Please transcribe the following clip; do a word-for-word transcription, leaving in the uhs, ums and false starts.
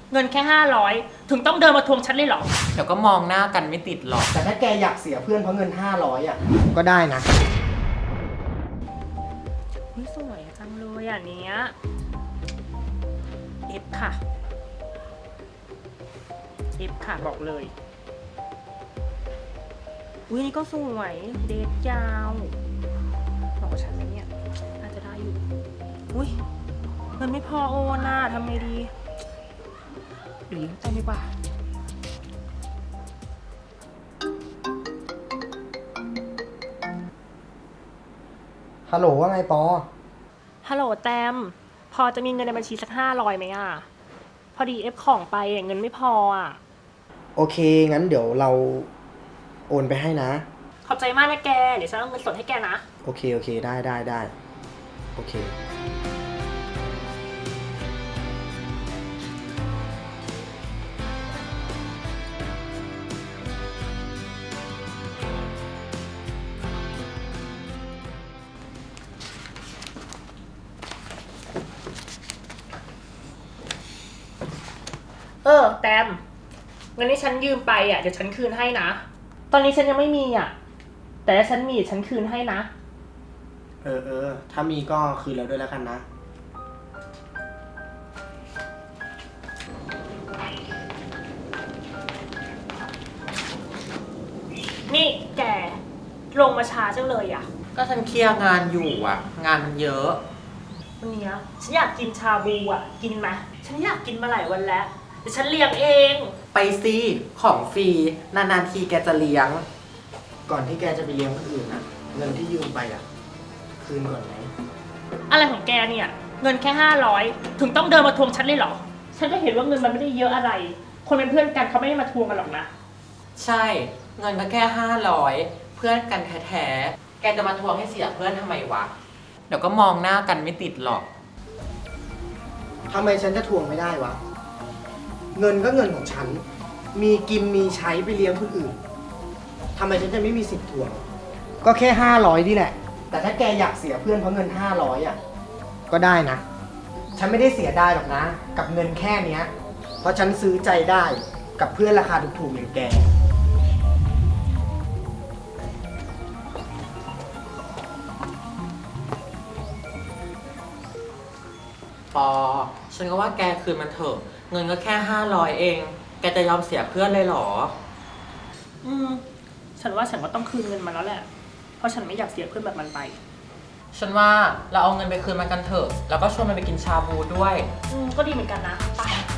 เงินแค่ห้าร้อยถึงต้องเดินมาทวงฉันเลยเหรอเดี๋ยวก็มองหน้ากันไม่ติดหรอกแต่ถ้าแกอยากเสียเพื่อนเพราะเงินห้าร้อยอ่ะก็ได้นะนี่สวยจังเลยอ่ะเนี้ยเอฟค่ะเอฟค่ะบอกเลยอุ้ยนี่ก็สวยเดทยาวบอกกับฉันไหมเนี่ยน่าจะได้อยู่อุ้ยเงินไม่พอโอนน่ะทำไงดีเดี๋ยวยืมตังค์ดีกว่าฮัลโหลว่าไงปอฮัลโหลแตมพอจะมีเงินในบัญชีสักห้าร้อยไหมอ่ะพอดีเอฟของไปเงินไม่พออ่ะโอเคงั้นเดี๋ยวเราโอนไปให้นะขอบใจมากนะแกเดี๋ยวฉันเอาเงินสดให้แกนะโอเคโอเคได้ได้ได้โอเคเออแตมเงินที่ฉันยืมไปอ่ะเดี๋ยวฉันคืนให้นะตอนนี้ฉันยังไม่มีอ่ะแต่ถ้าฉันมีฉันคืนให้นะเออเออถ้ามีก็คืนแล้วด้วยแล้วกันนะนี่แกลงมาช้าจังเลยอ่ะก็ฉันเคลียร์งานอยู่อ่ะ งานมันเยอะวันนี้ฉันอยากกินชาบูอ่ะกินไหมฉันอยากกินมาหลายวันแล้วเดี๋ยวฉันเลี้ยงเองไปสิของฟรีนานๆทีแกจะเลี้ยงก่อนที่แกจะไปเลี้ยงคนอื่นนะเงินที่ยืมไปอ่ะคืนก่อนไหมอะไรของแกเนี่ยเงินแค่ห้าร้อยถึงต้องเดินมาทวงฉันเลยเหรอฉันก็เห็นว่าเงินมันไม่ได้เยอะอะไรคนเป็นเพื่อนกันเขาไม่ได้มาทวงกันหรอกนะใช่เงินก็แค่ห้าร้อยเพื่อนกันแท้ๆแกจะมาทวงให้เสียเพื่อนทำไมวะเดี๋ยวก็มองหน้ากันไม่ติดหรอกทำไมฉันจะทวงไม่ได้วะเงินก็เงินของฉันมีกินมีใช้ไปเลี้ยงคนอื่นทำไมฉันจะไม่มีสิทธิ์ทวงก็แค่ห้าร้อยนี่แหละแต่ถ้าแกอยากเสียเพื่อนเพราะเงินห้าร้อยอ่ะก็ได้นะฉันไม่ได้เสียได้หรอกนะกับเงินแค่เนี้ยเพราะฉันซื้อใจได้กับเพื่อนราคาถูกๆอย่างแกปอฉันก็ว่าแกคืนมันเถอะเงินก็แค่ห้าร้อยเองแกจะยอมเสียเพื่อนเลยเหรออืมฉันว่าฉันก็ต้องคืนเงินมันแล้วแหละเพราะฉันไม่อยากเสียเพื่อนแบบมันไปฉันว่าเราเอาเงินไปคืนมันกันเถอะแล้วก็ชวนมันไปกินชาบูด้วยอืมก็ดีเหมือนกันนะไป